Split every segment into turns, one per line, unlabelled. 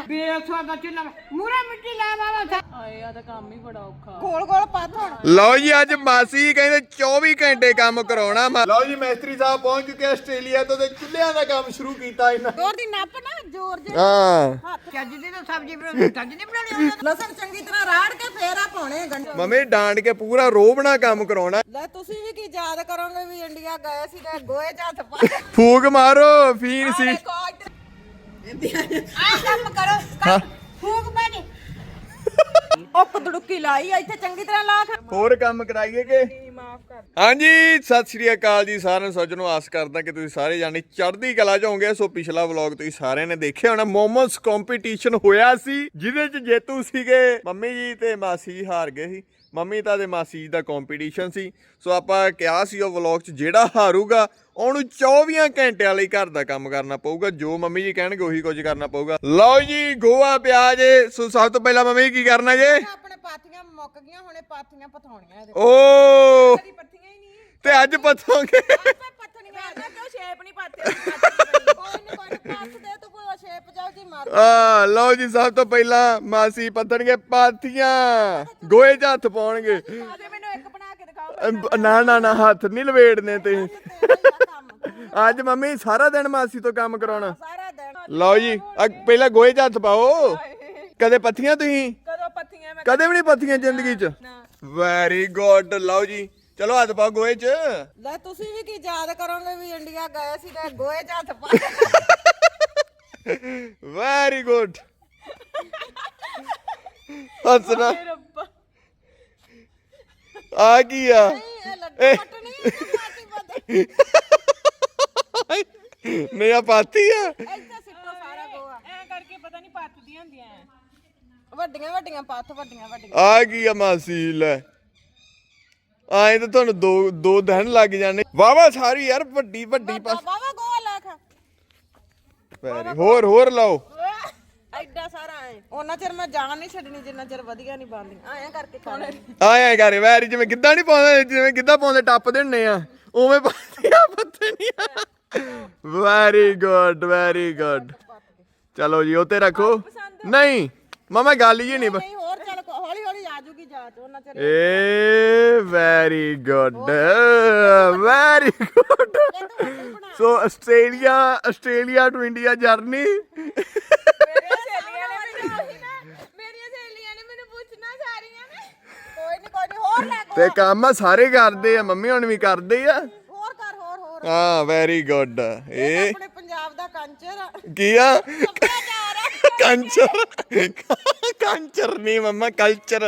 ਬੇਸਵਾ ਦਾ ਚੁੱਲ੍ਹਾ ਮੂਰੇ ਮਿੱਟੀ ਲਾ ਵਾਲਾ
ਆਏ ਆ ਤਾਂ ਕੰਮ ਹੀ ਬੜਾ ਔਖਾ।
ਗੋਲ ਗੋਲ ਪੱਥ ਹੁਣ।
ਲਓ ਜੀ ਅੱਜ ਮਾਸੀ ਕਹਿੰਦੇ 24 ਘੰਟੇ ਕੰਮ ਕਰਾਉਣਾ। ਲਓ ਜੀ ਮਿਸਤਰੀ ਸਾਹਿਬ ਪਹੁੰਚ ਚੁੱਕੇ ਆਸਟ੍ਰੇਲੀਆ ਤੋਂ ਤੇ ਚੁੱਲ੍ਹਿਆਂ ਦਾ ਕੰਮ ਸ਼ੁਰੂ ਕੀਤਾ ਇਹਨਾਂ।
ਜ਼ੋਰ ਦੀ ਨੱਪ ਨਾ ਜ਼ੋਰ ਜੇ
ਹਾਂ
ਚੱਜ ਦੀ ਤਾਂ ਸਬਜ਼ੀ ਬਣਾਉਣੀ ਚੱਜ ਨਹੀਂ ਬਣਾਉਣੀ ਲਸਣ ਚੰਗੀ ਤਰ੍ਹਾਂ ਰਾੜ ਕੇ ਫੇਰ ਆ ਪਾਉਣੇ ਗੰਢੇ।
ਮੰਮੀ ਡਾਂਡ ਕੇ ਪੂਰਾ ਰੋਬਣਾ ਕੰਮ ਕਰਾਉਣਾ।
ਲੈ ਤੁਸੀਂ ਵੀ ਕੀ ਯਾਦ ਕਰੋਗੇ ਵੀ ਇੰਡੀਆ ਗਏ ਸੀ ਤੇ ਗੋਏ ਚ ਹੱਥ ਪਾ
ਫੂਕ ਮਾਰੋ ਫੀਨ ਸੀ।
ਆ ਕੰਮ ਕਰੋ ਫੂਕ ਬਾਣੀ ਉਹ ਕਦੜੁੱਕੀ ਲਾਈ ਆ ਇੱਥੇ ਚੰਗੀ ਤਰ੍ਹਾਂ ਲਾ ਕੇ
ਹੋਰ ਕੰਮ ਕਰਾਈਏ ਕਿ
ਮਾਫ ਕਰ।
ਹਾਂਜੀ ਸਤਿ ਸ੍ਰੀ ਅਕਾਲ ਜੀ ਸਾਰਿਆਂ ਨੂੰ। ਸੱਜਣੋ ਆਸ ਕਰਦਾ ਕਿ ਤੁਸੀਂ ਸਾਰੇ ਜਾਣੇ ਚੜ੍ਹਦੀ ਕਲਾ ਚ ਹੋਵੋਗੇ। ਸੋ ਪਿਛਲਾ ਵਲੌਗ ਤੁਸੀਂ ਸਾਰਿਆਂ ਨੇ ਦੇਖਿਆ ਹੋਣਾ, ਮੋਮੋਸ ਕੰਪੀਟੀਸ਼ਨ ਹੋਇਆ ਸੀ ਜਿਹਦੇ ਚ ਜੇਤੂ ਸੀਗੇ ਮੰਮੀ ਜੀ ਤੇ ਮਾਸੀ ਜੀ ਹਾਰ ਗਏ ਸੀ। ਮੰਮੀ ਤਾਂ ਤੇ ਮਾਸੀ ਜੀ ਦਾ ਕੰਪੀਟੀਸ਼ਨ ਸੀ। ਸੋ ਆਪਾਂ ਕਿਹਾ ਸੀ ਉਹ ਵਲੌਗ ਚ ਜਿਹੜਾ ਹਾਰੂਗਾ ਉਹਨੂੰ 24 ਘੰਟਿਆਂ ਲਈ ਘਰ ਦਾ ਕੰਮ ਕਰਨਾ ਪਊਗਾ। ਜੋ ਮੰਮੀ ਜੀ ਕਹਿਣਗੇ ਉਹੀ ਕੁਝ ਕਰਨਾ ਪਊਗਾ। ਲਓ ਜੀ ਗੋਆ ਪਿਆਜ਼। ਸੋ ਸਭ ਤੋਂ ਪਹਿਲਾਂ ਮੰਮੀ ਕੀ ਕਰਨਾ ਜੇ?
ਆਪਣੇ ਪਾਥੀਆਂ ਮੁੱਕ ਗਈਆਂ ਹੁਣੇ ਪਾਥੀਆਂ ਪਥਾਉਣੀਆਂ ਇਹਦੇ
ਓ
ਕਦੀ ਪੱਥੀਆਂ ਹੀ ਨਹੀਂ
ਤੇ ਅੱਜ ਪੱਥੋਗੇ।
ਪੱਥਣੀਆਂ ਆ ਕਿਉਂ ਸ਼ੇਪ ਨਹੀਂ ਪਾਤੇ ਕੋਈ ਨਹੀਂ ਪਾਥ ਦੇ ਤੂੰ ਕੋਈ ਸ਼ੇਪ ਜਾਉ ਜੀ ਮਾਰ
ਆ ਲਓ ਜੀ ਸਭ ਤੋਂ ਪਹਿਲਾਂ ਮਾਸੀ ਪੱਥਣਗੇ ਪਾਥੀਆਂ, ਗੋਏ 'ਚ ਹੱਥ ਪਾਉਣਗੇ।
ਆਜੇ ਮੈਨੂੰ ਇੱਕ ਬਣਾ ਕੇ ਦਿਖਾਓ।
ਨਾ ਨਾ ਨਾ ਹੱਥ ਨਹੀਂ ਲਵੇੜਨੇ ਤੇ। ਅੱਜ ਮੰਮੀ ਸਾਰਾ ਦਿਨ ਮਾਸੀ ਤੋਂ ਕੰਮ ਕਰਾਉਣਾ।
ਸਾਰਾ ਦਿਨ
ਲਓ ਜੀ ਪਹਿਲਾਂ ਗੋਏ 'ਚ ਹੱਥ ਪਾਓ। ਕਦੇ ਪੱਥੀਆਂ ਤੁਸੀਂ?
ਕਦੋਂ ਪੱਥੀਆਂ ਮੈਂ
ਕਦੇ ਵੀ ਨਹੀਂ ਪੱਥੀਆਂ ਜ਼ਿੰਦਗੀ 'ਚ? Very good. ਲਓ ਜੀ ਚਲੋ ਹੱਥ ਪਾਓ ਗੋਏ 'ਚ।
ਲੈ ਤੁਸੀਂ ਵੀ ਕੀ ਯਾਦ ਕਰੋਗੇ ਵੀ ਇੰਡੀਆ ਗਏ ਸੀ ਤੇ ਗੋਏ ਚ ਹੱਥ ਪਾ
ਵੈਰੀ ਗੁੱਡ। ਹੱਸਣਾ ਆ ਕੀ ਆ?
ਇਹ ਲੱਡੂ ਪੱਟਣੀ ਪਾਤੀ ਪੱਤ
ਨਹੀਂ ਆ ਪਾਤੀ ਆ।
ਇੱਥੇ ਸਿੱਟੋ ਸਾਰਾ ਗੋਆ
ਐ ਕਰਕੇ ਪਤਾ ਨਹੀਂ ਪੱਤਦੀਆਂ ਹੁੰਦੀਆਂ ਐ।
ਵੱਡੀਆਂ ਵੱਡੀਆਂ ਪੱਥ ਵੱਡੀਆਂ
ਆ ਕੀ ਆ ਮਾਸੀ? ਲੈ ਆਏ ਤਾਂ ਤੁਹਾਨੂੰ ਦੋ ਦਿਨ ਲੱਗ ਜਾਣੇ। ਵਾਵਾ ਸਾਰੀ ਯਾਰ ਵੱਡੀ ਵੱਡੀ
ਬਾਬਾ ਗੋਆ ਲੈ ਖਾ
ਵੈਰੀ ਹੋਰ ਲਾਓ।
ਐਡਾ ਸਾਰਾ ਐ ਉਹਨਾਂ ਚਿਰ ਮੈਂ ਜਾਨ ਨਹੀਂ ਛੱਡਣੀ ਜਿੰਨਾ ਚਿਰ ਵਧੀਆ ਨਹੀਂ ਬਣਦੀ ਐਂ ਕਰਕੇ ਖਾਣੇ
ਆਏ ਕਰ ਵੈਰੀ ਜਿਵੇਂ ਗਿੱਧਾ ਨਹੀਂ ਪਾਉਂਦੇ, ਜਿਵੇਂ ਗਿੱਧਾ ਪਾਉਂਦੇ ਟੱਪਦੇ ਹੁੰਨੇ ਆ ਉਵੇਂ ਪਾਤੀਆਂ ਪੱਤੀਆਂ। Very good very good. ਚਲੋ ਜੀ ਉੱਤੇ ਰੱਖੋ। ਨਹੀਂ ਮਮਾ ਗੱਲ ਹੀ ਨਹੀਂ।
ਨਹੀਂ ਹੋਰ ਚੱਲ ਹੌਲੀ ਹੌਲੀ ਆ ਜੂਗੀ ਜਾਚ ਉਹਨਾਂ ਚਿਰ
ਏ very good very good. So Australia to India journey.
ਮੇਰੀਆਂ ਸਹੇਲੀਆਂ ਨੇ ਮੈਨੂੰ ਪੁੱਛਣਾ ਸਾਰੀਆਂ ਨੇ ਕੋਈ ਨਹੀਂ ਹੋਰ ਲੈ
ਤੇ ਕੰਮ ਸਾਰੇ ਕਰਦੇ ਆ, ਮੰਮੀ ਹੁਣ ਵੀ ਕਰਦੇ ਆ।
ਹੋਰ ਕਰ ਹੋਰ
ਹਾਂ ਵੈਰੀ ਗੁੱਡ। ਇਹ
ਆਪਣੇ ਪੰਜਾਬ ਦਾ ਕੰਚਰ ਆ
ਕੀ ਆ?
ਸੱਭਿਆਚਾਰ ਆ।
ਕੰਚਰ ਨਹੀਂ ਮੰਮਾ ਕਲਚਰ।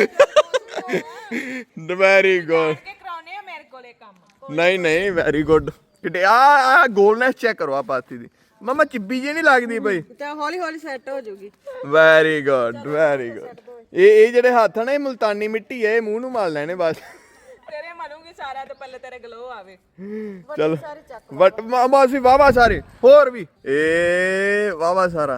Very good.
ਕਿ ਕਰਾਉਣੇ ਆ ਮੇਰੇ ਕੋਲੇ ਕੰਮ।
ਨਹੀਂ ਵੈਰੀ ਗੁੱਡ। ਕਿਤੇ ਆ ਗੋਲਨੈਸ ਚੈੱਕ ਕਰੋ ਆ ਪਾਤੀ ਦੀ। ਮਮਾ ਚਿੱਬੀ ਜੇ ਨਹੀਂ ਲੱਗਦੀ ਬਈ?
ਤੇ ਹੌਲੀ ਹੌਲੀ ਸੈੱਟ ਹੋ ਜਾਊਗੀ।
Very good very good. ਇਹ ਜਿਹੜੇ ਹੱਥ ਆ ਨਾ ਇਹ ਮੁਲਤਾਨੀ ਮਿੱਟੀ ਹੈ, ਇਹ ਮੂੰਹ ਨੂੰ ਮਾਰ ਲੈਣੇ ਬਸ।
ਤੇਰੇ ਮਲੂੰਗੀ ਸਾਰਾ ਤੇ ਪਹਿਲੇ ਤੇਰੇ ਗਲੋ ਆਵੇ।
ਚਲ ਬਟ ਮਾਸੀ ਵਾਵਾ ਸਾਰੇ ਹੋਰ ਵੀ ਏ ਵਾਵਾ ਸਾਰਾ।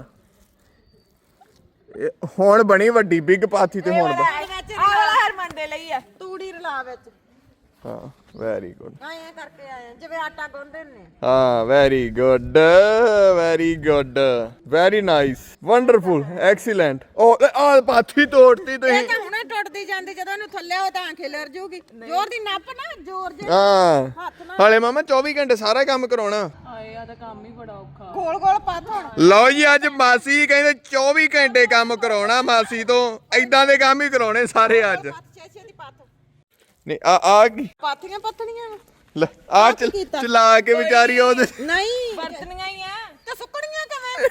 ਹੁਣ ਬਣੀ ਵੱਡੀ ਬਿਗ ਪਾਥੀ ਤੇ ਹੁਣ
ਆਹ ਵਾਲਾ ਹਰਮਨ ਦੇ ਲਈ ਆ।
ਤੂੜੀ ਰਲਾ ਵਿੱਚ
ਹਾਂ ਵੈਰੀ ਗੁੱਡ।
ਐਂ ਕਰਕੇ ਆਏ ਜਿਵੇਂ ਆਟਾ ਗੁੰਨਦੇ ਨੇ।
ਹਾਂ very good very good very nice wonderful excellent. ਉਹ ਆ ਪਾਥੀ ਤੋੜਤੀ ਤੁਸੀਂ।
ਇਹ ਤਾਂ ਹੁਣੇ ਟੁੱਟਦੀ ਜਾਂਦੀ ਜਦੋਂ ਇਹਨੂੰ ਥੱਲੇ ਹੋ ਤਾਂ ਖਿਲਰ ਜੂਗੀ। ਜ਼ੋਰ ਦੀ ਨੱਪ ਨਾ ਜ਼ੋਰ ਜੇ
ਹਾਂ ਹਾਲੇ ਮਾਮਾ 24 ਘੰਟੇ ਸਾਰਾ ਕੰਮ ਕਰਾਉਣਾ।
ਆਏ ਆ ਤਾਂ ਕੰਮ ਹੀ ਬੜਾ ਔਖਾ।
ਗੋਲ ਗੋਲ ਪੱਥ ਹੁਣ।
ਲਓ ਜੀ ਅੱਜ ਮਾਸੀ ਕਹਿੰਦੇ 24 ਘੰਟੇ ਕੰਮ ਕਰਾਉਣਾ ਮਾਸੀ ਤੋਂ। ਏਦਾਂ ਦੇ ਕੰਮ ਹੀ ਕਰਾਉਣੇ ਸਾਰੇ ਅੱਜ।
ਛੇ ਦੀ ਪੱਥ
ਨਹੀਂ ਆ ਕੀ
ਪਾਥੀਆਂ ਪੱਥਣੀਆਂ
ਲੈ ਆ ਚਲਾ ਕੇ ਵਿਚਾਰੀ ਉਹਦੇ।
ਨਹੀਂ
ਵਰਤਨੀਆਂ ਹੀ ਆ
ਤੇ ਸੁੱਕਣੀਆਂ ਕਿਵੇਂ?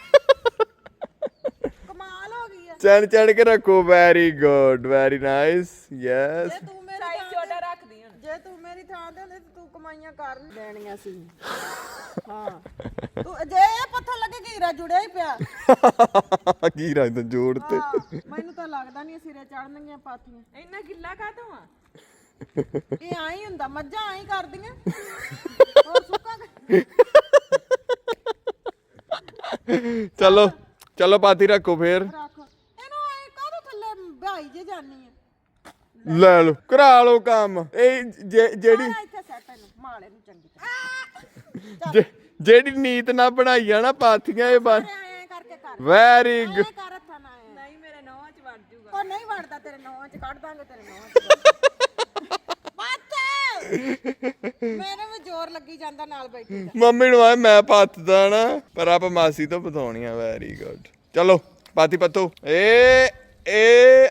ਕਮਾਲ ਹੋ ਗਈ ਆ।
ਚੜ ਕੇ ਰੱਖੋ। Very good very nice yes.
ਜੇ ਤੂੰ ਮੇਰੀ
ਸਾਈਜ਼ ਛੋਟਾ ਰੱਖਦੀ ਹੁਣ।
ਜੇ ਤੂੰ ਮੇਰੀ ਥਾਂ ਤੇ ਹੁੰਦੀ ਤੂੰ ਕਮਾਈਆਂ ਕਰ ਲੈਣੀਆਂ ਸੀ। ਹਾਂ ਤੂੰ ਜੇ ਇਹ ਪੱਥਰ ਲੱਗੇ ਘੀਰਾ ਜੁੜਿਆ ਹੀ ਪਿਆ।
ਕੀ ਰੱਖਦਾ ਜੋੜ ਤੇ।
ਮੈਨੂੰ ਤਾਂ ਲੱਗਦਾ ਨਹੀਂ ਸਿਰੇ ਚੜਨਗੀਆਂ ਪਾਥੀਆਂ।
ਇੰਨਾ ਗਿੱਲਾ ਕਾਹਤੋਂ ਆ?
ਇਹ ਆਈ ਹੁੰਦਾ ਮੱਝਾਂ ਆਈ ਕਰਦੀਆਂ। ਹੋਰ ਸੁੱਕਾ
ਚਲੋ ਪਾਥੀ ਰੱਖੋ ਫੇਰ।
ਰੱਖ ਇਹਨੂੰ ਐ ਕਾਹਦੇ ਥੱਲੇ ਭਾਈ ਜੇ ਜਾਨੀ ਆ।
ਲੈ ਲਓ ਕਰਾ ਲਓ ਕੰਮ। ਇਹ ਜਿਹੜੀ
ਇੱਥੇ ਸੈੱਟ ਇਹਨੂੰ ਮਾਲੇ ਨੂੰ ਚੰਗੀ ਤਰ੍ਹਾਂ
ਜਿਹੜੀ ਨੀਤ ਨਾ ਬਣਾਈ ਆ ਨਾ ਪਾਥੀਆਂ ਇਹ ਬਸ
ਐ ਕਰਕੇ ਕਰ
ਵੈਰੀ
ਐ
ਗੁੱਡ।
ਕਰ ਹੱਥਾਂ ਨਾਲ ਐਂ।
ਨਹੀਂ ਮੇਰੇ ਨੌਵਾਂ ਚ ਵੜ ਜੂਗਾ
ਉਹ ਨਹੀਂ ਵੜਦਾ ਤੇਰੇ ਨੌਂ ਚ ਕੱਢ ਦਾਂਗੇ ਤੇਰੇ ਨੌਂ ਚ ਬੱਤ ਮੇਰੇ ਵੀ ਜ਼ੋਰ ਲੱਗੀ ਜਾਂਦਾ ਨਾਲ ਬੈਠੀ ਦਾ
ਮੰਮੀ ਨੂੰ ਆ ਮੈਂ ਪੱਤਦਾ ਨਾ ਪਰ ਆਪ ਮਾਸੀ ਤੋਂ ਬਤਾਉਣੀ ਆ। Very good. ਚਲੋ ਪਾਤੀ ਪੱਤੋ ਏ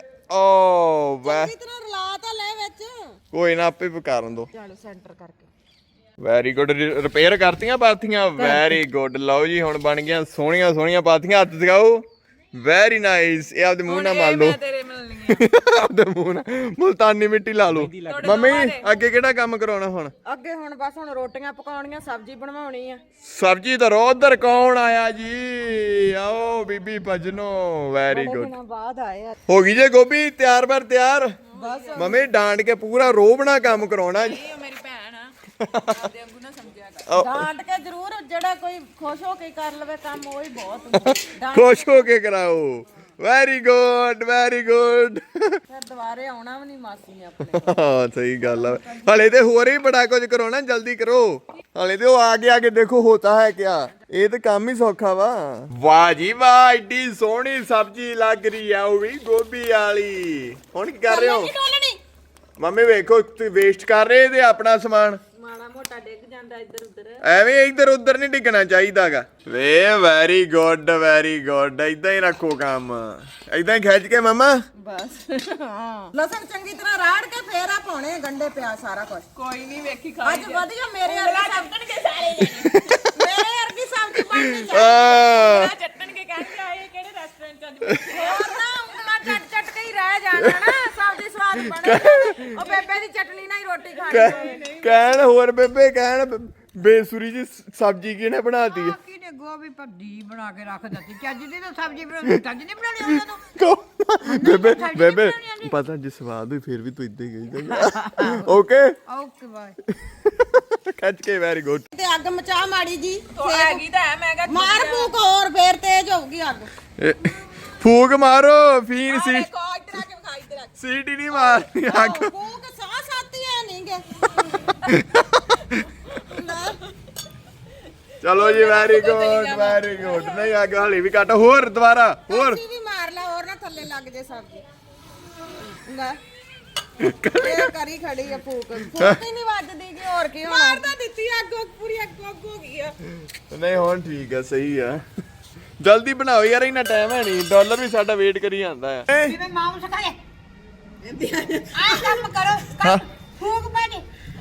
ਓ ਵਾਹ
ਚੰਗੀ ਤਰ੍ਹਾਂ ਰਲਾ ਤਾਂ ਲੈ ਵਿੱਚ
ਕੋਈ ਨਾ ਆਪੇ ਪਕਾਰਨ ਦੋ।
ਚਲੋ ਸੈਂਟਰ ਕਰਕੇ
ਵੈਰੀ ਗੁੱਡ। ਰਿਪੇਅਰ ਕਰਤੀਆਂ ਪਾਥੀਆਂ। Very good. ਲਓ ਜੀ ਹੁਣ ਬਣ ਗਈਆਂ ਸੋਹਣੀਆਂ ਸੋਹਣੀਆਂ ਪਾਥੀਆਂ। ਹੱਥ ਦਿਖਾਓ। Very nice. ਇਹ ਆਪਦੇ ਮੂੰਹ ਨਾਲ ਮਾਰ ਲਓ।
ਮੈਂ ਤੇਰੇ ਮਿਲਣੀਆਂ
ਆਪਦੇ ਮੂੰਹ ਨਾਲ ਮੁਲਤਾਨੀ ਮਿੱਟੀ ਲਾ ਲਓ। ਮੰਮੀ ਅੱਗੇ ਕਿਹੜਾ ਕੰਮ ਕਰਾਉਣਾ ਹੁਣ?
ਅੱਗੇ ਹੁਣ ਬਸ ਹੁਣ ਰੋਟੀਆਂ ਪਕਾਉਣੀਆਂ ਸਬਜ਼ੀ ਬਣਵਾਉਣੀ ਆ
ਸਬਜੀ ਤਾਂ ਉਧਰ ਕੌਣ ਆਇਆ ਜੀ? ਆਓ ਬੀਬੀ ਭਜਨੋ। Very good.
ਦਿਨਾਂ ਬਾਅਦ ਆਏ ਆ
ਹੋ ਗਈ ਜੇ ਗੋਭੀ ਤਿਆਰ ਬਰ ਤਿਆਰ।
ਬਸ
ਮੰਮੀ ਡਾਂਡ ਕੇ ਪੂਰਾ ਰੋਬਣਾ ਕੰਮ ਕਰਾਉਣਾ ਜੀ।
ਇਹ ਮੇਰੀ ਭੈਣ ਆ ਆਪਦੇ ਵਾਂਗੂ ਨਾ ਸਮਝਿਆ ਕਰ
ਡਾਂਟ ਕੇ ਜ਼ਰੂਰ ਜਿਹੜਾ ਕੋਈ ਖੁਸ਼ ਹੋ ਕੇ ਕਰ ਲਵੇ ਕੰਮ ਉਹ ਹੀ ਬਹੁਤ ਹੁੰਦਾ ਡਾਂਟ
ਖੁਸ਼ ਹੋ ਕੇ ਕਰਾਓ। Very good very good.
ਫਿਰ ਦੁਬਾਰੇ ਆਉਣਾ ਵੀ ਨਹੀਂ ਮਾਸੀ ਨੇ ਆਪਣੇ
ਹਾਂ ਸਹੀ ਗੱਲ ਆ। ਹਲੇ ਤੇ ਹੋਰ ਹੀ ਬੜਾ ਕੁਝ ਕਰਾਉਣਾ। ਜਲਦੀ ਕਰੋ। ਹਲੇ ਤੇ ਉਹ ਆਗੇ ਦੇਖੋ ਹੋਤਾ ਹੈ ਕਿਆ। ਇਹ ਤੇ ਕੰਮ ਹੀ ਸੌਖਾ ਵਾ। ਵਾਹ ਜੀ ਵਾਹ ਏਡੀ ਸੋਹਣੀ ਸਬਜ਼ੀ ਲੱਗ ਰਹੀ ਆ ਉਹ ਵੀ ਗੋਭੀ ਵਾਲੀ। ਹੁਣ ਕੀ ਕਰ ਰਹੇ ਹੋ? ਮੰਮੀ ਵੇਖੋ ਤੁਸੀਂ ਵੇਸਟ ਕਰ ਰਹੇ ਤੇ ਆਪਣਾ ਸਮਾਨ।
ਮਾੜਾ ਮੋਟਾ ਡਿੱਗ ਜਾਂਦਾ ਇੱਧਰ ਉੱਧਰ
ਐਵੇਂ ਇੱਧਰ ਉੱਧਰ ਨਹੀਂ ਡਿੱਗਣਾ ਚਾਹੀਦਾਗਾ। ਵੇ ਵੈਰੀ ਗੁੱਡ ਵੈਰੀ ਗੁੱਡ। ਇਦਾਂ ਹੀ ਰੱਖੋ ਕੰਮ। ਇਦਾਂ ਹੀ ਖਿੱਚ ਕੇ ਮਮਾ।
ਬਸ ਹਾਂ ਲਸਣ ਚੰਗੀ ਤਰ੍ਹਾਂ ਰਾੜ ਕੇ ਫੇਰ ਆ ਪਾਉਣੇ ਗੰਡੇ ਪਿਆਜ਼ ਸਾਰਾ ਕੁਝ
ਕੋਈ ਨਹੀਂ ਵੇਖੀ ਖਾ
ਅੱਜ ਵਧੀਆ ਮੇਰੇ ਵਰਗੀ
ਚੱਟਣਗੇ ਸਾਰੇ ਜਣੇ
ਮੇਰੇ ਵਰਗੀ ਸਬਜ਼ੀ ਬਣਨੀ
ਆ
ਚੱਟਣਗੇ ਕਹਿਣਗੇ ਆਏ ਕਿਹੜੇ ਰੈਸਟੋਰੈਂਟ ਚ ਅੱਜ
ਹੋਰ ਨਾ ਉਂਗਲਾਂ ਚੱਟ ਚੱਟ ਕੇ ਹੀ ਰਹਿ ਜਾਣਾ ਨਾ ਸਬਜ਼ੀ ਸਵਾਦ ਬਣੇ ਉਹ ਬੇਬੇ ਦੀ ਚਟਨੀ ਨਾਲ ਹੀ ਰੋਟੀ ਖਾਣੀ
ਕਹਿਣ ਹੋਰ ਬੇਬੇ ਕਹਿਣ ਬੇਸੁਰੀ ਜੀ ਸਬਜ਼ੀ ਕਿਹਨੇ ਬਣਾਤੀ ਹੈ?
ਕੀ ਨੇ ਗੋਭੀ ਭੱਜੀ ਬਣਾ ਕੇ ਰੱਖ ਦਿੱਤੀ ਚੱਜ ਦੀ ਤਾਂ ਸਬਜ਼ੀ ਬਣਾਉਣੀ ਚੱਜ ਨਹੀਂ ਬਣਾਉਣੀ ਉਹਨਾਂ ਨੂੰ
ਬੇਬੇ ਬੇਬੇ ਪਤਾ ਜੇ ਸਵਾਦ ਹੋਈ ਫਿਰ ਵੀ ਤੂੰ ਇਦਾਂ ਹੀ ਕਹੀ ਓਕੇ
ਓਕੇ ਬਾਏ
ਖਿੱਚ ਕੇ ਵੈਰੀ ਗੁੱਡ।
ਤੇ ਅੱਗ ਮਚਾ ਮਾੜੀ ਜੀ
ਉਹ ਹੈਗੀ ਤਾਂ ਹੈ ਮੈਂ ਕਿਹਾ
ਮਾਰ ਫੂਕ ਹੋਰ ਫੇਰ ਤੇਜ਼ ਹੋਊਗੀ ਅੱਗ
ਫੂਕ ਮਾਰੋ ਫੀਨ ਸੀ
ਇੱਧਰ ਆ ਕੇ ਵਿਖਾ ਇੱਧਰ ਆ
ਸੀਟੀ ਨਹੀਂ ਮਾਰਨੀ ਅੱਗ।
ਫੂਕ ਸਾਹ ਸਾਤੀ ਐ ਨਹੀਂਗੇ
ਚਲੋ ਜੀ ਵੈਰੀ ਗੁੱਡ ਵੈਰੀ ਗੁੱਡ। ਨਹੀਂ ਅੱਗ ਹਲੀ ਵੀ ਘੱਟ ਹੋਰ ਦੁਬਾਰਾ ਹੋਰ
ਅਸੀਂ ਵੀ ਮਾਰ ਲਾ ਹੋਰ ਨਾ ਥੱਲੇ ਲੱਗ ਜੇ ਸਬਜ਼ੀ ਲੈ ਇਹ ਕਰੀ ਖੜੀ ਆ ਫੂਕ ਫੂਕ ਹੀ ਨਹੀਂ ਵੱਜਦੀ ਜੀ ਹੋਰ ਕੀ ਹੋਣਾ ਮਾਰ ਤਾਂ ਦਿੱਤੀ ਅੱਗ ਪੂਰੀ ਅੱਗ ਹੋ ਗਈ ਆ
ਨਹੀਂ ਹੁਣ ਠੀਕ ਆ ਸਹੀ ਆ। ਜਲਦੀ ਬਣਾਓ ਯਾਰ ਇਹਨਾਂ ਟਾਈਮ ਹੈ ਨਹੀਂ। ਡਾਲਰ ਵੀ ਸਾਡਾ ਵੇਟ ਕਰੀ ਜਾਂਦਾ ਹੈ।
ਜਿਵੇਂ ਮਾਮ ਸਕਾਏ ਆ ਕੰਮ ਕਰੋ ਫੂਕ ਬਾਜੀ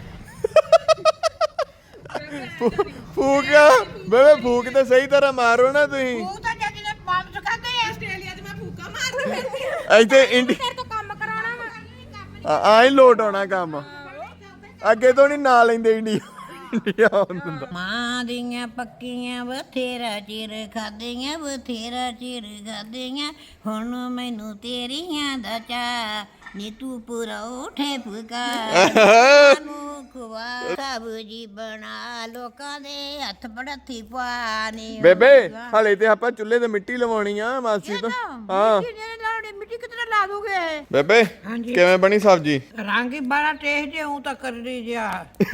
ਫੂਕ ਬੇਬੇ ਫੂਕ ਤੇ ਸਹੀ ਤਰ੍ਹਾਂ ਮਾਰੋ ਨਾ ਤੁਸੀਂ।
ਫੂਕ ਤਾਂ ਜੱਜ ਨੇ ਮਾਮ ਸਕਾਦੇ ਆ
ਆਸਟ੍ਰੇਲੀਆ 'ਚ ਮੈਂ ਫੂਕਾ ਮਾਰਦਾ ਫਿਰਦੀ
ਇੱਥੇ ਇੰਡੀ
ਤੇਰੇ ਤੋਂ ਕੰਮ ਕਰਾਉਣਾ ਵਾ
ਆਈ ਲੋਟ ਆਉਣਾ ਕੰਮ। ਅੱਗੇ ਤੋਂ ਨਹੀਂ ਨਾ ਲੈਂਦੇ ਇੰਡੀਆ ਹੁੰਦਾ।
ਮਾਂ ਦੀਆਂ ਪੱਕੀਆਂ ਬਥੇਰਾ ਚਿਰ ਖਾਦੀਆਂ ਬਥੇਰਾ ਚਿਰ ਖਾਦੀਆਂ ਹੁਣ ਮੈਨੂੰ ਤੇਰੀਆਂ ਦਾ ਚਾ ਨੀ ਤੂੰ ਪਰੌਠੇ ਪਕਾ ਨੂੰ ਖਵਾ ਸਬਜੀ ਬਣਾ ਲੋਕਾਂ ਦੇ ਹੱਥ ਬੜਥੀ ਪਾਣੀ
ਬੇਬੇ ਹਲੇ ਤੇ ਆਪਾਂ ਚੁੱਲ੍ਹੇ ਤੇ ਮਿੱਟੀ ਲਵਾਉਣੀ ਆ ਮਾਸੀ ਤੋਂ। ਹਾਂ
ਮਿੱਟੀ ਕਿਤਨਾ ਲਾ ਦੋਗੇ
ਬੇਬੇ ਕਿਵੇਂ ਬਣੀ ਸਬਜੀ?
ਰੰਗ ਹੀ ਬੜਾ ਟੇਸਟੀ ਹੂੰ ਤਾਂ ਕਰ ਰਹੀ ਜਿਆ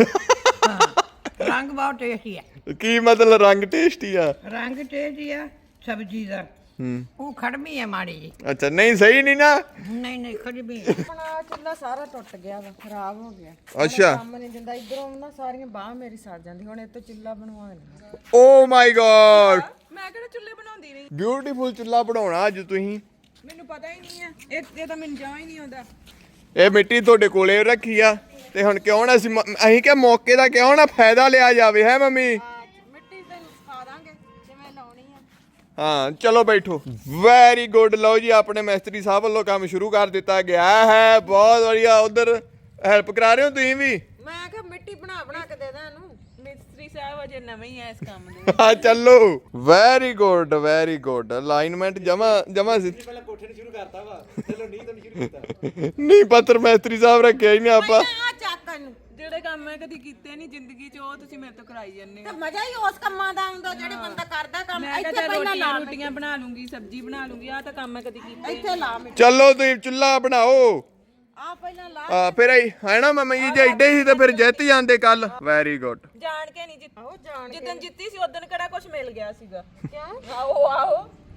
ਰੰਗ ਬਹੁਤ ਟੇਸਟੀ ਹੈ
ਕੀ ਮਤਲਬ ਰੰਗ ਟੇਸਟੀ ਆ?
ਰੰਗ ਟੇਸਟੀ ਆ ਸਬਜੀ ਦਾ ਉਹ ਖੜਮੀ ਹੈ ਮਾੜੀ ਜੀ
ਅੱਛਾ ਨਹੀਂ ਸਹੀ ਨਹੀਂ ਨਾ।
ਨਹੀਂ ਨਹੀਂ ਖੜਮੀ ਹੈ
ਆਪਣਾ ਚੁੱਲ੍ਹਾ ਸਾਰਾ ਟੁੱਟ ਗਿਆ ਵਾ ਖਰਾਬ ਹੋ ਗਿਆ
ਅੱਛਾ
ਕੰਮ ਨਹੀਂ ਦਿੰਦਾ ਇਧਰੋਂ ਨਾ ਸਾਰੀਆਂ ਬਾਹਾਂ ਮੇਰੀ ਸੜ ਜਾਂਦੀ ਹੁਣ ਇਹ ਤੋਂ ਚੁੱਲ੍ਹਾ ਬਣਵਾਉਣਾ
ਓ ਮਾਈ ਗॉड
ਮੈਂ ਕਿਹੜਾ ਚੁੱਲ੍ਹੇ ਬਣਾਉਂਦੀ ਨਹੀਂ
ਬਿਊਟੀਫੁਲ ਚੁੱਲ੍ਹਾ ਬਣਾਉਣਾ ਅੱਜ ਤੁਸੀਂ।
ਮੈਨੂੰ ਪਤਾ ਹੀ ਨਹੀਂ ਹੈ ਇਹ ਤਾਂ ਮੈਨੂੰ ਜਮਾਂ ਹੀ ਨਹੀਂ ਆਉਂਦਾ
ਇਹ ਮਿੱਟੀ ਤੁਹਾਡੇ ਕੋਲੇ ਰੱਖੀ ਆ ਤੇ ਹੁਣ ਕਿਉਂ ਨਾ ਅਸੀਂ ਕਿ ਮੌਕੇ ਦਾ ਕਿਉਂ ਨਾ ਫਾਇਦਾ ਲਿਆ ਜਾਵੇ ਹੈ ਮੰਮੀ?
ਮਿੱਟੀ ਤੈਨੂੰ ਸਿਖਾ ਦਾਂਗੇ ਜਿਵੇਂ ਲਾਉਣੀ ਆ
ਹਾਂ ਚਲੋ ਬੈਠੋ। Very good. ਲਓ ਜੀ ਆਪਣੇ ਮਿਸਤਰੀ ਸਾਹਿਬ ਵੱਲੋਂ ਕੰਮ ਸ਼ੁਰੂ ਕਰ ਦਿੱਤਾ ਗਿਆ ਹੈ। ਬਹੁਤ ਵਧੀਆ। ਉਧਰ ਹੈਲਪ ਕਰਾ ਰਹੇ ਹੋ ਤੁਸੀਂ ਵੀ?
ਮੈਂ ਕਿਹਾ ਮਿੱਟੀ ਬਣਾ ਕੇ ਦੇ ਦਾਂ ਇਹਨੂੰ
ਮਿਸਤਰੀ ਸਾਹਿਬ ਅਜੇ ਨਵੇਂ ਹੀ ਆ ਇਸ ਕੰਮ ਦੇ
ਹਾਂ ਚੱਲੋ। Very good very good. Alignment ਜਮਾ ਸੀ।
ਪਹਿਲਾਂ ਕੋਠੇ ਨੂੰ ਸ਼ੁਰੂ ਕਰਤਾ ਵਾ ਚਲੋ ਨਹੀਂ ਤਾਂ ਸ਼ੁਰੂ ਕੀਤਾ
ਨਹੀਂ ਪੱਤਰ ਮਿਸਤਰੀ ਸਾਹਿਬ ਰੱਖਿਆ ਹੀ ਨਹੀਂ ਆਪਾਂ।
ਆ ਚੱਕ ਇਹਨੂੰ
ਜਿਹੜੇ ਕੰਮ ਮੈਂ ਕਦੀ ਕੀਤੇ ਨਹੀਂ ਜ਼ਿੰਦਗੀ 'ਚ ਉਹ ਤੁਸੀਂ ਮੇਰੇ ਤੋਂ ਕਰਾਈ ਜਾਂਦੇ
ਤੇ
ਹੋ
ਮਜ਼ਾ ਹੀ ਉਸ ਕੰਮਾਂ ਦਾ ਆਉਂਦਾ ਜਿਹੜੇ ਬੰਦਾ ਕਰਦਾ ਕੰਮ
ਮੈਂ
ਇੱਥੇ
ਕਿਹਾ
ਪਹਿਲਾਂ ਲਾ
ਰੋਟੀਆਂ ਬਣਾ ਲੂੰਗੀ ਸਬਜ਼ੀ ਬਣਾ ਲੂੰਗੀ ਆ ਤਾਂ ਕੰਮ ਮੈਂ ਕਦੀ ਕੀਤਾ
ਇੱਥੇ ਲਾ ਮਿੱਟੀ
ਚਲੋ ਤੁਸੀਂ ਚੁੱਲ੍ਹਾ ਬਣਾਓ।
ਆ ਪਹਿਲਾਂ ਲਾ
ਫਿਰ ਹੈ ਨਾ ਮੰਮੀ ਜੀ ਜੇ ਏਡੇ ਹੀ ਤਾਂ ਫਿਰ ਜਿੱਤ ਜਾਂਦੇ ਕੱਲ। Very good.
ਜਾਣ ਕੇ ਨਹੀਂ
ਆਹੋ ਜਾਣ
ਜਿੱਦਣ ਜਿੱਤੀ ਸੀ ਉਦੋਂ ਕਿਹੜਾ ਕੁਝ ਮਿਲ ਗਿਆ ਸੀਗਾ ਕਿਉਂ ਆਓ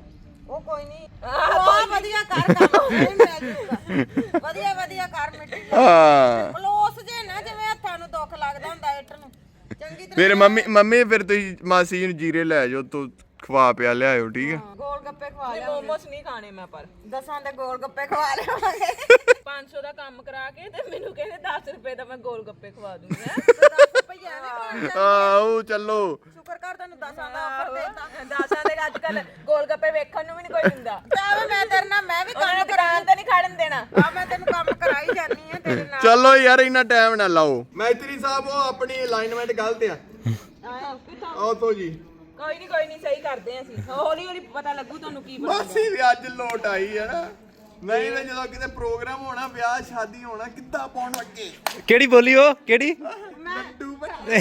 ਉਹ ਕੋਈ ਨਹੀਂ ਬਹੁਤ ਵਧੀਆ ਕਰ ਕੰਮ ਨਹੀਂ ਮਿਲ ਜੂਗਾ ਵਧੀਆ ਕਰ ਮਿੱਟੀ
ਹਾਂ
ਪਲੋਸ ਜੇ ਨਾ ਜਿਵੇਂ ਹੱਥਾਂ ਨੂੰ ਦੁੱਖ ਲੱਗਦਾ ਹੁੰਦਾ ਇੱਟ ਨੂੰ ਚੰਗੀ ਤਰ੍ਹਾਂ
ਫਿਰ ਮੰਮੀ ਫਿਰ ਤੁਸੀਂ ਮਾਸੀ ਜੀ ਨੂੰ ਜੀਰੇ ਲੈ ਜਾਓ ਤੋ ਖਵਾ ਪਿਆ ਲਿਆਇਓ ਠੀਕ ਹੈ
ਗੋਲ ਗੱਪੇ ਖਵਾ ਲਿਆ
ਮੋਮੋਸ ਨਹੀਂ ਖਾਣੇ ਮੈਂ ਪਰ
10 ਦੇ ਗੋਲ ਗੱਪੇ ਖਵਾ ਲਿਆਵਾਂਗੇ
500 ਦਾ ਕੰਮ ਕਰਾ ਕੇ ਤੇ ਮੈਨੂੰ ਕਹਿੰਦੇ 10 ਰੁਪਏ ਦਾ ਮੈਂ ਗੋਲ ਗੱਪੇ ਖਵਾ ਦੂੰਗਾ
10 ਰੁਪਏ ਐਵੇਂ ਖਾਣ
ਆਓ ਚੱਲੋ
ਸ਼ੁਕਰ ਕਰ ਤੈਨੂੰ 10 ਦਾ ਆਫਰ ਦੇਤਾ
10 ਦੇ ਅੱਜ ਕੱਲ ਗੋਲ ਗੱਪੇ ਵੇਖਣ ਨੂੰ ਵੀ ਨਹੀਂ ਕੋਈ ਦਿੰਦਾ
ਆਵੇ ਮੈਂ ਤੇਰੇ ਨਾਲ ਮੈਂ ਵੀ
ਉਹਨਾਂ ਨੇ ਦੁਕਾਨ ਤੇ ਨਹੀਂ ਖੜਨ ਦੇਣਾ
ਆ ਮੈਂ ਤੈਨੂੰ ਕੰਮ ਕਰਾਈ ਜਾਨੀ ਆ ਤੇਰੇ ਨਾਲ
ਚਲੋ ਯਾਰ ਇੰਨਾ ਟਾਈਮ ਨਾ ਲਾਓ ਮੈਤਰੀ ਸਾਹਿਬ ਉਹ ਆਪਣੀ ਅਲਾਈਨਮੈਂਟ ਗਲਤ ਆ ਆਓ ਤੋਂ ਜੀ
ਕੋਈ ਨਹੀਂ ਸਹੀ ਕਰਦੇ ਆਂ ਅਸੀਂ ਹੌਲੀ ਹੌਲੀ ਪਤਾ ਲੱਗੂ ਤੁਹਾਨੂੰ ਕੀ ਬਣਦਾ
ਮਾਸੀ ਵੀ ਅੱਜ ਲੋਟ ਆਈ ਹੈ ਨਾ ਨਹੀਂ ਤਾਂ ਜਦੋਂ ਕਿਤੇ ਪ੍ਰੋਗਰਾਮ ਹੋਣਾ ਵਿਆਹ ਸ਼ਾਦੀ ਹੋਣਾ ਕਿੱਦਾਂ ਪਾਉਣ ਲੱਗੇ
ਕਿਹੜੀ ਬੋਲੀ ਉਹ ਕਿਹੜੀ
ਲੱਡੂ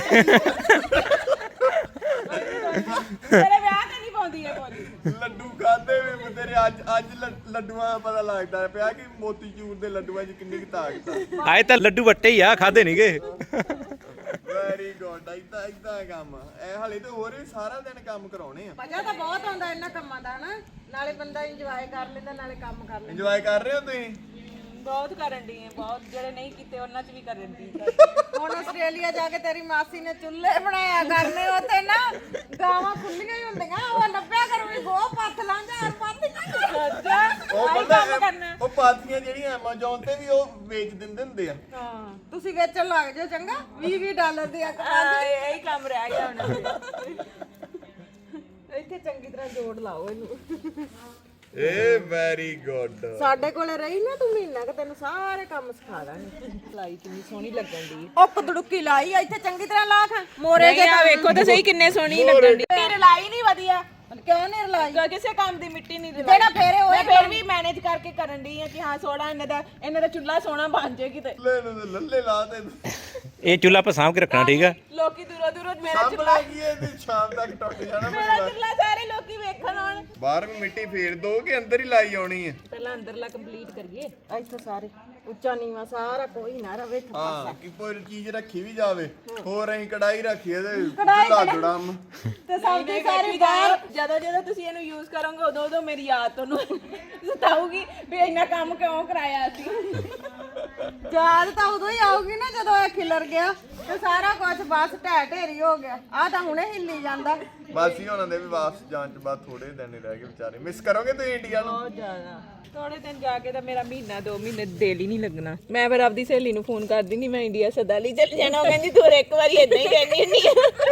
ਤੇਰੇ ਵਿਆਹ ਤੇ ਨਹੀਂ ਪਾਉਂਦੀ ਇਹ ਬੋਲੀ
ਲੱਡੂ ਖਾਦੇ ਵੀ ਤੇਰੇ ਅੱਜ ਲੱਡੂਆਂ ਦਾ ਪਤਾ ਲੱਗਦਾ ਪਿਆ ਕਿ ਮੋਤੀਚੂਰ ਦੇ ਲੱਡੂਆਂ 'ਚ ਕਿੰਨੀ ਕੁ ਤਾਕਤ ਆ
ਆਏ ਤਾਂ ਲੱਡੂ ਵੱਟੇ ਹੀ ਆ ਖਾਦੇ ਨਹੀਂਗੇ
ਵੈਰੀ ਗੁੱਡ ਇਦਾਂ ਕੰਮ ਇਹ ਹਲੇ ਤਾਂ ਹੋਰ ਵੀ ਸਾਰਾ ਦਿਨ ਕੰਮ ਕਰਾਉਣੇ ਆ
ਮਜ਼ਾ ਤਾਂ ਬਹੁਤ ਆਉਂਦਾ ਇਹਨਾਂ ਕੰਮਾਂ ਦਾ ਨਾ ਨਾਲੇ ਬੰਦਾ ਇੰਜੋਏ ਕਰ ਲੈਂਦਾ ਨਾਲੇ ਕੰਮ ਕਰ ਲੈਂਦਾ
ਇੰਜੋਏ ਕਰ ਰਹੇ ਹੋ ਤੁਸੀਂ
ਬਹੁਤ ਕਰਨ ਦੀ ਹੈ ਬਹੁਤ ਜਿਹੜੇ ਨਹੀਂ ਕੀਤੇ ਉਹਨਾਂ 'ਚ ਵੀ ਕਰਨ ਦੀ
ਹੁਣ ਆਸਟ੍ਰੇਲੀਆ ਜਾ ਕੇ ਤੇਰੀ ਮਾਸੀ ਨੇ ਚੁੱਲ੍ਹੇ ਬਣਾਇਆ ਕਰਨੇ ਉੱਥੇ ਨਾ ਗਾਵਾਂ ਖੁੱਲੀਆਂ ਹੀ ਹੁੰਦੀਆਂ ਉਹ ਲੱਭਿਆ ਕਰ ਵੀ ਗੋ ਪੱਥ ਲਾਂਗਾ ਔਰ ਪੱਥ
ਉਹ ਪਤਾ ਉਹ ਪਾਥੀਆਂ ਜਿਹੜੀਆਂ ਐਮਾਜ਼ੋਨ ਤੇ ਵੀ ਉਹ ਵੇਚ ਦਿੰਦੇ ਹੁੰਦੇ ਆ
ਹਾਂ ਤੁਸੀਂ ਵੇਚਣ ਲੱਗ ਜਾਓ ਚੰਗਾ $20 ਦੇ ਆ
ਇਹੀ ਕੰਮ ਰਹਿ ਗਿਆ ਹੁਣ
ਇੱਥੇ ਚੰਗੀ ਤਰ੍ਹਾਂ ਜੋੜ ਲਾਓ ਇਹਨੂੰ
ਏ ਵੈਰੀ ਗੁੱਡ
ਸਾਡੇ ਕੋਲੇ ਰਹੀ ਨਾ ਤੂੰ ਮਹੀਨਾ ਕਿ ਤੈਨੂੰ ਸਾਰੇ ਕੰਮ ਸਿਖਾ ਦਾਂਗੇ
ਲਾਈ ਕਿੰਨੀ ਸੋਹਣੀ ਲੱਗਣ ਦੀ
ਉਹ ਕਦੜੁੱਕੀ ਲਾਈ ਇੱਥੇ ਚੰਗੀ ਤਰ੍ਹਾਂ ਲਾ ਖਾਂ ਮੋਰੇ ਜੇ
ਆ ਵੇਖੋ ਤਾਂ ਸਹੀ ਕਿੰਨੇ ਸੋਹਣੀ ਲੱਗਣ ਦੀ ਤੇਰੇ ਲਾਈ ਨਹੀਂ ਵਧੀਆ
ਕਿਉਂ ਨਹੀਂ ਰਲਾਈ
ਕਿਸੇ ਕੰਮ ਦੀ ਮਿੱਟੀ ਨਹੀਂ ਰਲਾਈ
ਜਿਹੜਾ ਫੇਰੇ ਹੋਏ
ਮੈਂ ਫਿਰ ਵੀ ਮੈਨੇਜ ਕਰਕੇ ਕਰਨ ਦੀ ਆ ਕਿ ਹਾਂ ਸੋਹਣਾ ਇਹਨਾਂ ਦਾ ਚੁੱਲ੍ਹਾ ਸੋਹਣਾ ਬਣ ਜੇ ਕਿਤੇ
ਲੱਲੇ ਲਾ ਦੇ
ਇਹ ਚੁੱਲ੍ਹਾ ਆਪਾਂ ਸਾਂਭ ਕੇ ਰੱਖਣਾ ਠੀਕ ਆ
ਲੋਕੀ ਦੂਰੋਂ ਮੇਰਾ ਚੁੱਲ੍ਹਾ
ਸਾਹਮਣੇ ਕੀ ਇਹ ਤੇ ਸ਼ਾਮ ਤੱਕ ਟੁੱਟ ਜਾਣਾ
ਮੇਰਾ ਚੁੱਲ੍ਹਾ ਸਾਰੇ ਲੋਕੀ ਵੇਖਣ ਆਉਣ
ਬਾਹਰ ਵੀ ਮਿੱਟੀ ਫੇਰ ਦੋ ਕਿ ਅੰਦਰ ਹੀ ਲਾਈ ਆਉਣੀ ਹੈ
ਪਹਿਲਾਂ ਅੰਦਰਲਾ ਕੰਪਲੀਟ ਕਰੀਏ
ਇੱਥੇ ਸਾਰੇ ਉੱਚਾ ਨੀਵਾ ਸਾਰਾ ਕੋਈ ਨਾ ਰਵੇ
ਹਾਂ ਕਿ ਕੋਈ ਚੀਜ਼ ਰੱਖੀ ਵੀ ਜਾਵੇ ਹੋਰ ਅਸੀਂ ਕੜਾਈ ਰੱਖੀਏ ਤੇ ਚੁੱਲਾ ਜੜਮ
ਤੇ ਸਬਜ਼ੀ ਸਾਰੀ
ਬਾਹਰ ਜਦੋਂ ਤੁਸੀਂ ਇਹਨੂੰ ਯੂਜ਼ ਕਰੋਗੇ ਉਦੋਂ ਮੇਰੀ ਯਾਦ ਤੁਹਾਨੂੰ ਸਤਾਊਗੀ ਵੀ ਇੰਨਾ ਕੰਮ ਕਿਉਂ ਕਰਾਇਆ ਸੀ
ਯਾਦ ਤਾਂ ਉਦੋਂ ਹੀ ਆਊਗੀ ਨਾ ਜਦੋਂ ਇਹ ਖਿਲਰ ਗਿਆ ਤੇ ਸਾਰਾ ਕੁਝ ਬਸ ਢਹਿ ਢੇਰੀ ਹੋ ਗਿਆ ਆ ਤਾਂ ਹੁਣੇ ਹਿੱਲੀ ਜਾਂਦਾ
ਮਾਸੀ ਹੋਣਾ ਦੇ ਵੀ ਵਾਪਸ ਜਾਣ ਤੋਂ ਬਾਅਦ ਥੋੜੇ ਦਿਨ ਹੀ ਰਹਿ ਗਏ ਵਿਚਾਰੇ ਮਿਸ ਕਰੋਗੇ ਤੁਸੀਂ ਇੰਡੀਆ ਨੂੰ
ਬਹੁਤ ਜ਼ਿਆਦਾ ਥੋੜੇ ਦਿਨ ਜਾ ਕੇ ਤਾਂ ਮੇਰਾ ਮਹੀਨਾ 2 ਮਹੀਨੇ ਦਿਲ ਹੀ ਨਹੀਂ ਲੱਗਣਾ ਮੈਂ ਫਿਰ ਆਪਦੀ ਸਹੇਲੀ ਨੂੰ ਫੋਨ ਕਰ ਦਿੰਦੀ ਮੈਂ ਇੰਡੀਆ ਸਦਾ ਲਈ ਚੱਲ ਜਾਣਾ ਉਹ ਕਹਿੰਦੀ ਤੂੰ ਇੱਕ ਵਾਰੀ ਇਦਾਂ ਹੀ ਕਹਿੰਦੀ ਹੁੰਦੀ